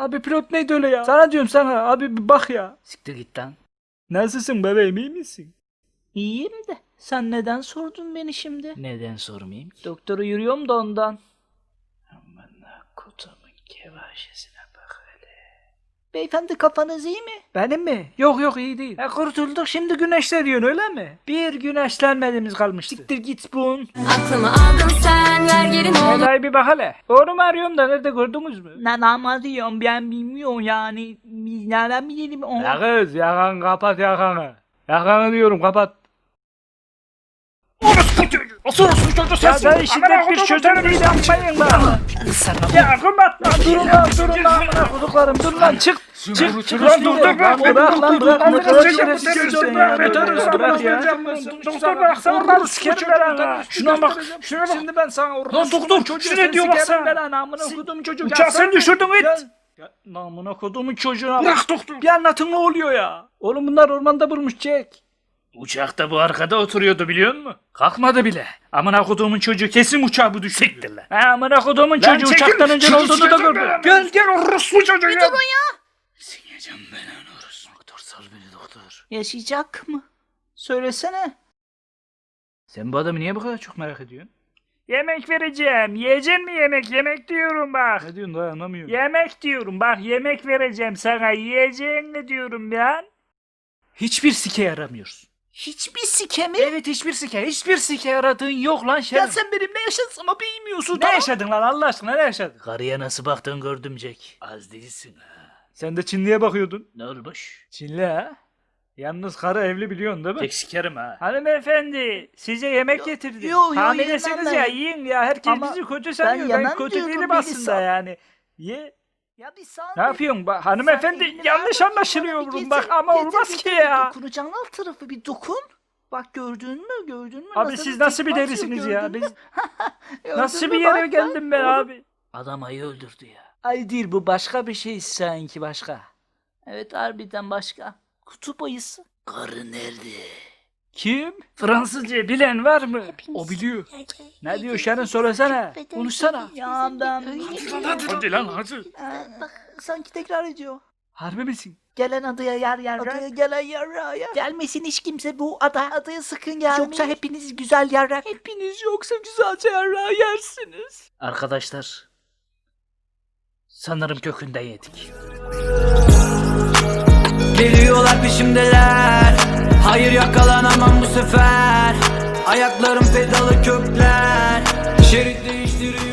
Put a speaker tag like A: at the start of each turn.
A: Abi pilot neydi öyle ya? Sana diyorum sana abi bir bak ya.
B: Siktir git lan.
A: Nasılsın bebeğim, iyi misin?
B: İyiyim de sen neden sordun beni şimdi?
C: Neden sormayayım ki?
B: Doktora yürüyorum da ondan.
C: Amına kodumun kevaşesine bak hele.
B: Beyefendi kafanız iyi mi?
A: Benim mi? Yok iyi değil. Kurtulduk şimdi güneşleniyorsun öyle mi? Bir güneşlenmediğimiz kalmıştı.
B: Siktir git bun.
D: Aklımı aldın sen ver geri ne olur.
A: Helal bir bak hele. Doğru mu arıyorum da nerede gördünüz mü?
B: Ne diyorum ben bilmiyorum yani. Biz nereden bilelim onu?
A: Ya kız yakan kapat yakanı. Yakanı diyorum kapat.
C: Orospu çocuğu
A: Ya sen şiddet bir çözüm değil yapmayın lan. Ya kumat lan durun lan amına koduklarım dur lan çık. Çık lan dur bırak lan bırak. Ne kadar şerefsizsin sen ya. Bırak ya. Doktor bıraksana lan sikerim belanı. Şuna bak. Şimdi ben sana
C: Lan doktor, şu ne diyor baksana.
A: Belanı amına kodumun çocuğu.
C: Uçağı sen düşürdün it.
A: Amına kodumun çocuğuna
C: Bırak doktor.
A: Bir anlatın ne oluyor ya. Oğlum bunlar ormanda bulmuş Jack.
C: Uçakta bu arkada oturuyordu biliyor musun? Kalkmadı bile. Amına koduğumun çocuğu kesin uçağı bu düşürdü. Siktir lan.
A: Ha amına kodumun çocuğu uçaktan önce olduğunu da gördüm.
C: Gel orospu çocuğu ya. Sineceğim ben onu orospu. Doktor sal beni doktor.
B: Yaşayacak mı? Söylesene.
A: Sen bu adamı niye bu kadar çok merak ediyorsun? Yemek vereceğim. Yiyeceksin mi yemek? Yemek diyorum bak. Ne diyorsun daha anlamıyorum. Yemek diyorum bak yemek vereceğim sana. Yiyeceğin ne diyorum ya? Hiçbir sike yaramıyorsun.
B: Hiçbir sike mi?
A: Evet hiçbir sike. Hiçbir sike yaradığın yok lan
B: Ya
A: şerif.
B: sen benimle yaşasın ama bilmiyorsun.
A: Ne yaşadın lan Allah aşkına ne yaşadın?
C: Karıya nasıl baktın gördüm Jack. Az değilsin ha.
A: Sen de Çinli'ye bakıyordun.
C: Ne olmuş?
A: Çinli ha? Yalnız karı evli biliyorsun değil mi?
C: Jack sikerim ha.
A: Hanımefendi size yemek getirdim.
B: yo,
A: Hamilesiniz
B: yemem
A: ya
B: ben.
A: yiyin ya. Herkes
B: Ama
A: bizi kötü sanıyor. Ben
B: yemem
A: kötü
B: diyorum,
A: değilim
B: beni
A: aslında
B: sal.
A: yani. Ye.
B: Ya bir sağ
A: Ne yapıyorsun bak hanımefendi yanlış anlaşılıyor bak ama olmaz ki ya.
B: Dokunacağın alt tarafı bir dokun. Bak gördün mü?
A: Abi siz nasıl bir derisiniz ya? Biz
B: Gördün
A: nasıl
B: mü?
A: bir yere
B: Bak,
A: geldim ben
B: oğlum.
A: abi?
C: Adam ayı öldürdü ya.
B: Ay değil bu başka bir şey sanki başka. Evet harbiden başka. Kutup ayısı.
C: Karı nerede?
A: Kim? Fransızca bilen var mı? O biliyor. Ne diyor Şerin söylesene. Konuşsana.
B: Ya ben...
C: Hadi lan hadi.
B: Bak sanki tekrar ediyor.
A: Harbi misin?
B: Gelen adaya yer. Adaya gelen yarraya. Gelmesin hiç kimse bu adaya sakın gelmeyin. Yoksa hepiniz güzel yarrak. Hepiniz yoksa güzelce yarrağı yersiniz.
C: Arkadaşlar. Sanırım kökünden yedik.
E: Geliyorlar peşimdeler. Hayır yakalanamam bu sefer. Ayaklarım pedalı kökler. Şerit değiştiriyor.